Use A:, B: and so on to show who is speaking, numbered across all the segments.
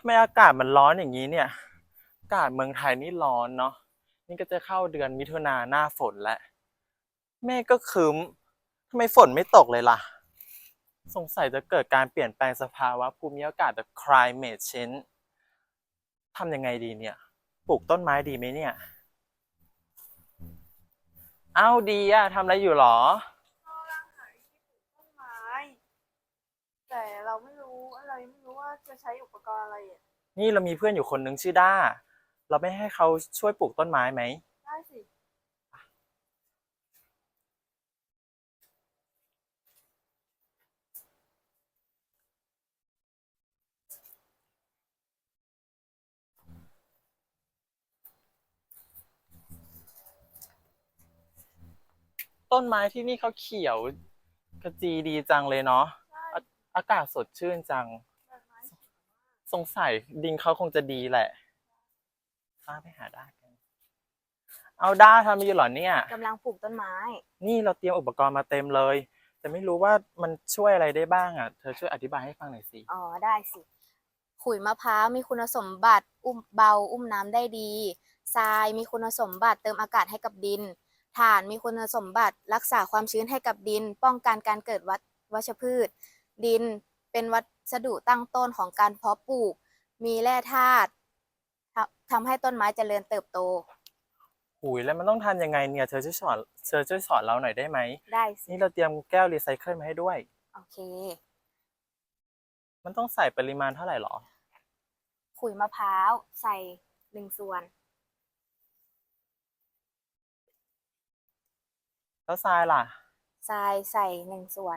A: ทำไมอากาศมันร้อนอย่างนี้เนี่ยอากาศเมืองไทยนี่ร้อนเนาะนี่ก็จะเข้าเดือนมิถุนาหน้าฝนแล้วเมฆก็ครึ้มทำไมฝนไม่ตกเลยล่ะสงสัยจะเกิดการเปลี่ยนแปลงสภาวะภูมิอากาศแบบ climate change ทำยังไงดีเนี่ยปลูกต้นไม้ดีไหมเนี่ยเอ้าดีอะทำอะไรอยู่หรอ
B: เรากำลังหาวิธีปลูกต้นไม้แต่เราไม่รู้ว่าจะใช้อุปกรณ์อะไรอ่ะ
A: นี่เรามีเพื่อนอยู่คนนึงชื่อด้าเราไม่ให้เขาช่วยปลูกต้นไม้ไหม
B: ได้สิ
A: ต้นไม้ที่นี่เขาเขียวกระจีดีจังเลยเนาะ
B: ใช่
A: อากาศสดชื่นจัง
B: ต้นไม้
A: สงสัยดินเขาคงจะดีแหละป้าไปหาด้ากันเอาด้าทำอยู่เหรอเนี่ย
B: กำลังปลูกต้นไม้
A: นี่เราเตรียมอุปกรณ์มาเต็มเลยแต่ไม่รู้ว่ามันช่วยอะไรได้บ้างอ่ะเธอช่วยอธิบายให้ฟังหน่อยสิ
B: อ๋อได้สิขุยมะพร้าวมีคุณสมบัติอุ้มเบาอุ้มน้ำได้ดีทรายมีคุณสมบัติเติมอากาศให้กับดินถ่านมีคุณสมบัติรักษาความชื้นให้กับดินป้องกันการเกิดวัชพืชดินเป็นวัสดุตั้งต้นของการเพาะปลูกมีแร่ธาตุทำให้ต้นไม้เจริญเติบโต
A: หุยแล้วมันต้องทำยังไงเนี่ยเธอช่วยสอนเราหน่อยได้ไหม
B: ได้สิ
A: นี่เราเตรียมแก้วรีไซเคิลมาให้ด้วย
B: โอเค
A: มันต้องใส่ปริมาณเท่าไหร่หรอ
B: ขุยมะพร้าวใส่1 ส่วน
A: แล้วทรายล่ะ
B: ทรายใส่1 ส่วน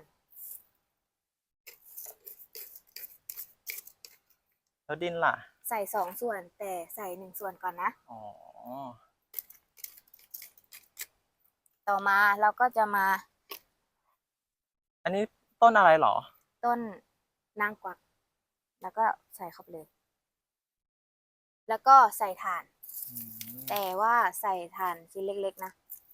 A: แล้วดินล่ะ
B: ใส่2 ส่วนแต่ใส่1 ส่วนก่อนนะ
A: อ๋อ
B: ต่อมาเราก็จะมา
A: อันนี้ต้นอะไรหรอ
B: ต้นนางกวักแล้วก็ใส่เข้าไปเลยแล้วก็ใส่ถ่าน แต่ว่าใส่ถ่านชิ้นเล็กๆนะ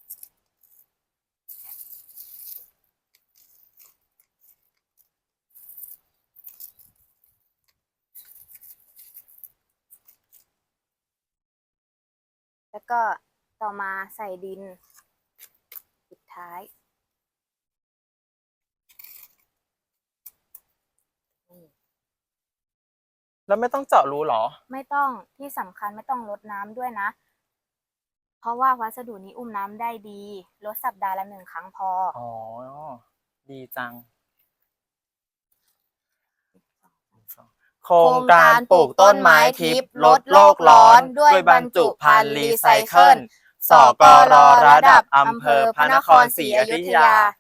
B: แล้วก็ต่อมาใส่ดินสุดท้าย
A: แล้วไม่ต้องเจาะรูหรอ
B: ไม่ต้องที่สำคัญไม่ต้องรดน้ำด้วยนะเพราะว่าวัสดุนี้อุ้มน้ำได้ดีรดสัปดาห์ละ1 ครั้งพอ
A: อ๋อดีจังโครงการปลูกต้นไม้ทิพย์ลดโลกร้อนด้วยบรรจุภัณฑ์รีไซเคิล สกรระดับอำเภอพระนครศรีอยุธยา